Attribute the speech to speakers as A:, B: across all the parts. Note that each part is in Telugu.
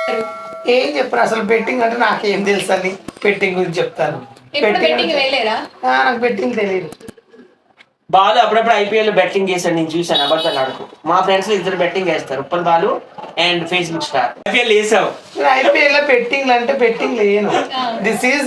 A: ఏం చెప్పరు అసలు. బెట్టింగ్ అంటే నాకేం తెలుసు అని బెట్టింగ్ గురించి చెప్తాను. నాకు బెట్టింగ్ తెలియదు.
B: బాలు అప్పుడప్పుడు ఐపీఎల్ బెట్టింగ్ చేశాడు, నేను చూసాను. అబద్ధాలు ఆడుకో. మా ఫ్రెండ్స్ ఇద్దరు బెట్టింగ్ చేస్తారు, Uppal Balu and Facebook star. IPL వేసావు?
A: ఐపీఎల్ లో బెట్టింగ్ అంటే బెట్టింగ్ లేను. దిస్ ఈజ్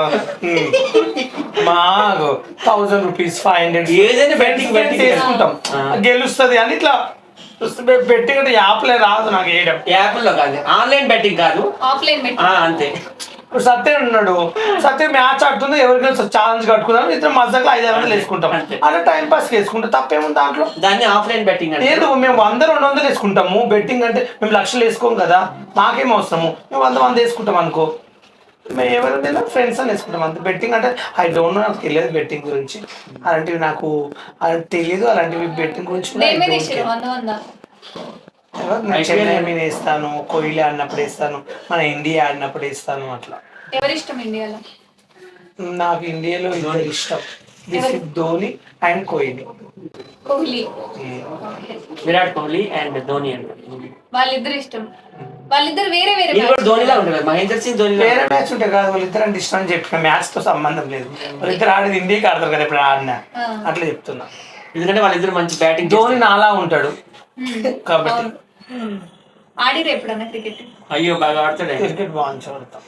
A: మాకు 1000 రూపీస్ 500
B: ఏదైనా బెట్టింగ్
A: చేసుకుంటాం, గెలుస్తుంది అని ఇట్లా. బెట్టింగ్ అంటే యాప్లే రాదు నాకు వేయడం.
B: యాప్లో కాదు, ఆన్లైన్ బెట్టింగ్ కాదు,
C: ఆఫ్లైన్
B: అంతే.
A: ఇప్పుడు సత్యం ఉన్నాడు, సత్యం మ్యాచ్ ఆడుతుంది, ఎవరికైనా ఛాలెంజ్ కట్టుకున్నాం, ఇద్దరు మధ్యలో 500 వేసుకుంటాం, అలా టైం పాస్ వేసుకుంటాం. తప్పేముంది దాంట్లో?
B: దాన్ని ఆఫ్లైన్ బెట్టింగ్ అంటే
A: లేదు, మేము 100-200 వేసుకుంటాము. బెట్టింగ్ అంటే మేము లక్షలు వేసుకోం కదా, మాకేం అవసరము. మేము 100 వేసుకుంటాం అనుకో, మేము ఎవరైనా ఫ్రెండ్స్ అని వేసుకుంటాం అంతే. బెట్టింగ్ అంటే ఐ డోంట్ నో, నాకు తెలియదు బెట్టింగ్ గురించి. అలాంటివి నాకు తెలియదు. అలాంటివి బెట్టింగ్ గురించి చెన్నై మీద వేస్తాను, కోహ్లీ ఆడినప్పుడు వేస్తాను, మన ఇండియా ఆడినప్పుడు వేస్తాను. అట్లా.
C: ఎవరిష్టం ఇండియాలో?
A: నాకు ఇండియాలో ఇద్దరు ఇష్టం, ధోని అండ్ కోహ్లీ.
B: విరాట్ కోహ్లీ అండ్ ధోని అండి,
C: వాళ్ళిద్దరు ఇష్టం. వాళ్ళిద్దరు వేరే వేరే
B: ధోనిలా ఉంటారు. మహేందర్ సింగ్ ధోని
A: వేరే మ్యాచ్ ఉంటాయి కాదు, వాళ్ళిద్దరు అంటే ఇష్టం అని చెప్పిన. మ్యాచ్ తో సంబంధం లేదు, వాళ్ళిద్దరు ఆడేది ఇండియాకి ఆడతారు కదా ఇప్పుడు ఆడినా, అట్లా చెప్తున్నా.
B: ఎందుకంటే వాళ్ళిద్దరు మంచి బ్యాటింగ్.
A: ధోని నాలా ఉంటాడు కాబట్టి.
C: ఆడిరు ఎప్పుడన్నా క్రికెట్?
B: అయ్యో బాగా ఆడతాడు,
A: క్రికెట్ బాగా ఆడతాం.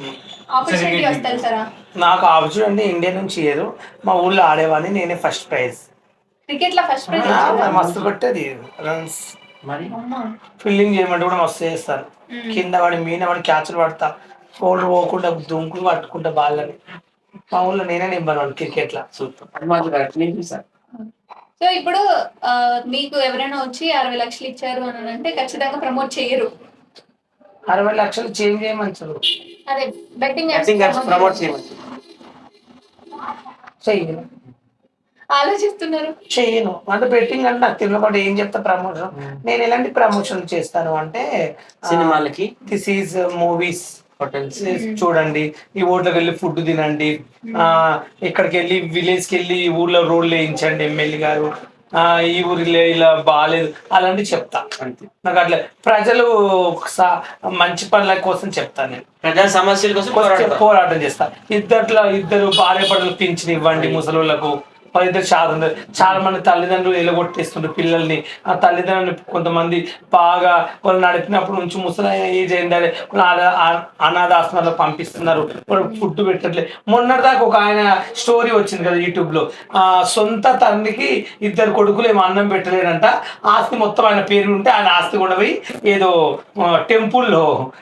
C: నాకు
A: ఆపర్చునిటీ ఇండియా నుంచి ఏదో మా ఊళ్ళో ఆడేవాడిని, నేనే ఫస్ట్ ప్రైజ్.
C: క్రికెట్ లో ఫస్ట్ ప్రైజ్
A: మస్తు కొట్టేది రన్స్. ఫీల్డింగ్ చేయమంటే కూడా మస్తు చేస్తారు. కింద వాడి మీన వాడి క్యాచ్లు పడతా, ఫోల్డర్ పోకుండా దుంకులు పట్టుకుంటా బాళ్ళని. మా ఊళ్ళో నేనే నెంబర్ 1 క్రికెట్ లో.
B: సూపర్.
C: సో ఇప్పుడు మీకు ఎవరైనా వచ్చి 60 లక్షలు ఇచ్చారు అని అంటే ఖచ్చితంగా ప్రమోట్ చేయరు.
A: 60 లక్షలు చేంజ్ చేయమంటారు,
C: అదే బెట్టింగ్
B: ప్రమోట్ చేయమని
A: చెయ్యను.
C: ఆలోచిస్తున్నారు?
A: చేయను అంటే బెట్టింగ్ అంటే నాకు తెలియకుండా ఏం చెప్తా ప్రమోషన్. నేను ఎలాంటి ప్రమోషన్ చేస్తాను అంటే
B: సినిమాలకి,
A: దిస్ ఈజ్ మూవీస్, హోటల్స్ చూడండి, ఈ ఊర్లోకి వెళ్ళి ఫుడ్ తినండి, ఇక్కడికి వెళ్ళి విలేజ్ కి వెళ్ళి ఊర్లో రోడ్లు వేయించండి ఎమ్మెల్యే గారు, ఈ ఊరిలో ఇలా బాగాలేదు, అలాంటివి చెప్తా అంతే. నాకు అట్లా ప్రజలు మంచి పనుల కోసం చెప్తాను, నేను
B: ప్రజా సమస్యల కోసం
A: పోరాటం చేస్తా. ఇద్దరు భార్య భర్తలు పింఛన్ ఇవ్వండి ముసలోళ్ళకు. వాళ్ళిద్దరు చాలా మంది తల్లిదండ్రులు ఎలగొట్టేస్తుంటారు పిల్లల్ని. ఆ తల్లిదండ్రులు కొంతమంది బాగా వాళ్ళు నడిపినప్పుడు నుంచి ముసలైన ఏజ్ అయిందని అనాథాశ్రమాల్లో పంపిస్తున్నారు, వాళ్ళు ఫుడ్ పెట్టట్లేదు. మొన్నటిదాకా ఒక ఆయన స్టోరీ వచ్చింది కదా యూట్యూబ్లో, సొంత తండ్రికి 2 కొడుకులు ఏమో అన్నం పెట్టలేదంట, ఆస్తి మొత్తం ఆయన పేరు ఉంటే ఆయన ఆస్తి కూడా పోయి ఏదో టెంపుల్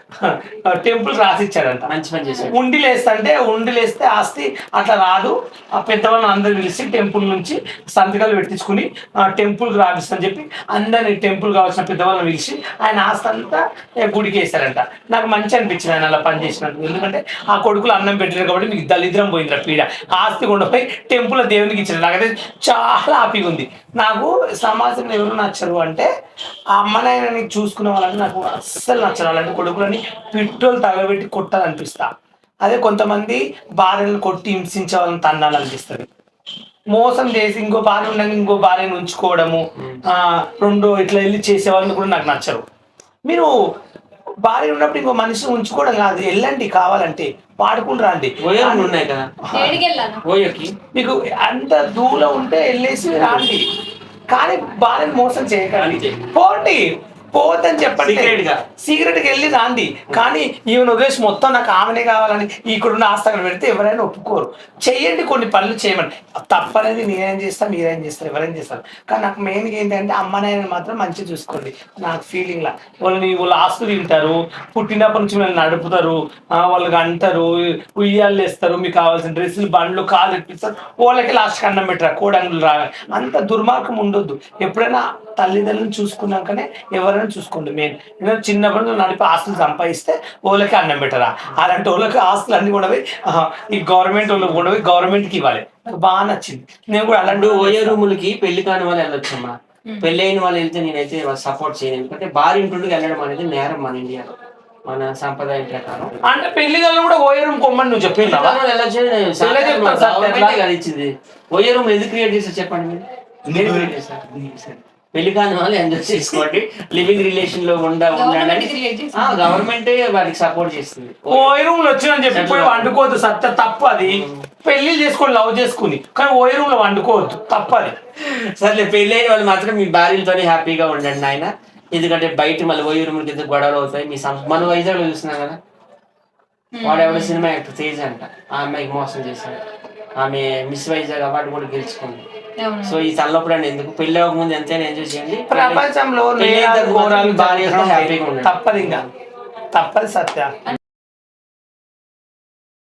A: రాసిచ్చాడంట.
B: మంచి పని చేశాడు.
A: ఉండిలేస్తే ఆస్తి అట్లా రాదు, ఆ పెద్దవాళ్ళని అందరు పిలిచి టెంపుల్ నుంచి సంతకాలు పెట్టించుకుని టెంపుల్కి రాపిస్తని చెప్పి అందరినీ టెంపుల్ కావాల్సిన పెద్దవాళ్ళని పిలిచి ఆయన ఆస్తి అంతా గుడికి వేశారంట. నాకు మంచి అనిపించింది ఆయన అలా పనిచేసినట్టు. ఎందుకంటే ఆ కొడుకులు అన్నం పెట్టలేరు కాబట్టి మీకు దళిద్రం పోయింది పీడ. ఆస్తి కొండపోయి టెంపుల్ దేవునికి ఇచ్చారు. నాకైతే చాలా హ్యాపీగా ఉంది. నాకు సమాజంలో ఎవరు నచ్చరు అంటే ఆ అమ్మనాయనని చూసుకునే వాళ్ళని నాకు అస్సలు నచ్చరు. అలాంటి కొడుకులని పెట్రోల్ తగలబెట్టి కొట్టాలనిపిస్తా. అదే కొంతమంది భార్యలను కొట్టి హింసించే వాళ్ళని తన్నాలనిపిస్తుంది. మోసం చేసి ఇంకో భార్య ఉండగా ఇంకో భార్యను ఉంచుకోవడము, రెండో ఇట్లా వెళ్ళి చేసే వాళ్ళని కూడా నాకు నచ్చరు. మీరు భార్య ఉన్నప్పుడు ఇంకో మనిషిని ఉంచుకోవడం కాదు, వెళ్ళండి కావాలంటే వాడుకుని రండి.
B: ఉన్నాయి కదా
A: మీకు అంత దూరం ఉంటే వెళ్ళేసి రండి, కానీ భార్యను మోసం చేయకండి. పోవద్దని చెప్పండి, సీక్రెట్గా వెళ్ళి రాండి. కానీ ఈవెన్ వదిలేసి మొత్తం నాకు ఆమెనే కావాలని ఇక్కడున్న ఆస్తలు పెడితే ఎవరైనా ఒప్పుకోరు. చెయ్యండి, కొన్ని పనులు చేయమండి, తప్పనేది నేనేం చేస్తాను మీరేం చేస్తారు ఎవరైనా చేస్తారు. కానీ నాకు మెయిన్గా ఏంటంటే అమ్మనాయని మాత్రం మంచిగా చూసుకోండి. నాకు ఫీలింగ్లా వాళ్ళ ఆస్తులు తింటారు, పుట్టినప్పటి నుంచి వీళ్ళని నడుపుతారు, వాళ్ళకి అంటారు, ఉయ్యాలు వేస్తారు, మీకు కావాల్సిన డ్రెస్సులు బండ్లు కాలు ఇప్పిస్తారు, వాళ్ళకి లాస్ట్కి అన్నం పెట్టారు, కోడంగులు రాగా. అంత దుర్మార్గం ఉండొద్దు. ఎప్పుడైనా తల్లిదండ్రులను చూసుకున్నాకనే ఎవరైనా చూసుకోండి. మెయిన్ చిన్నప్పుడు నడిపి ఆస్తులు సంపాదిస్తే వాళ్ళకి అన్నం పెట్టరా, అలాంటి వాళ్ళకి ఆస్తులు అన్ని కూడా ఈ గవర్నమెంట్ వాళ్ళకి కూడా గవర్నమెంట్కి ఇవ్వాలి. బాగా నచ్చింది. నేను కూడా అలాంటి
B: ఓయో రూములకి పెళ్లి కాని వాళ్ళు వెళ్ళొచ్చమ్మా. పెళ్లి అయిన వాళ్ళు వెళ్తే నేనైతే సపోర్ట్ చేయను. ఎందుకంటే భార్య ఇంటికి వెళ్ళడం అనేది నేరం మన ఇండియాలో, మన సంప్రదాయం ప్రకారం.
A: అంటే పెళ్లి గల్లు కూడా ఓయో రూమ్ కొమ్మని నువ్వు చెప్పి
B: ఇచ్చింది. ఓయో రూమ్ ఎందుకు క్రియేట్ చేస్తారు చెప్పండి మీరు? పెళ్లి కాని వాళ్ళు ఎంజాయ్ చేసుకోండి, లివింగ్ రిలేషన్ లో
C: Government create చేసింది.
B: గవర్నమెంట్ వారికి సపోర్ట్ చేస్తుంది.
A: ఓయి రూమ్ లో వచ్చిందని చెప్పి పోయి వండుకోవద్దు, సత్య తప్పు అది. పెళ్లి చేసుకోండి లవ్ చేసుకుని, కానీ ఓయి రూమ్ లో వండుకోవద్దు, తప్పది.
B: సర్లే పెళ్లి అయిన వాళ్ళు మాత్రం మీ భార్యలతోనే హ్యాపీగా ఉండండి నాయన. ఎందుకంటే బయట మళ్ళీ ఓయి రూమ్ కింద గొడవలు అవుతాయి. మన వైజాగ్ లో చూస్తున్నాం కదా, వాడు ఎవడో సినిమా యాక్టర్ తేజ్ అంట, ఆ అమ్మాయికి మోసం చేశాడు. ఆమె మిస్ వైజాగ్ అవార్డు కూడా గెలుచుకుంది. సో ఈ తల్లప్పుడు ఎందుకు, పెళ్లి అవ్వక ముందు ఎంతైనా ఎంజాయ్ చేయండి.
A: ప్రపంచంలో
B: పెళ్లి అయిన తర్వాత
A: ఘోరాలు
B: భార్యతో హ్యాపీగా ఉండండి.
A: తప్పదు, ఇంకా తప్పదు సత్య.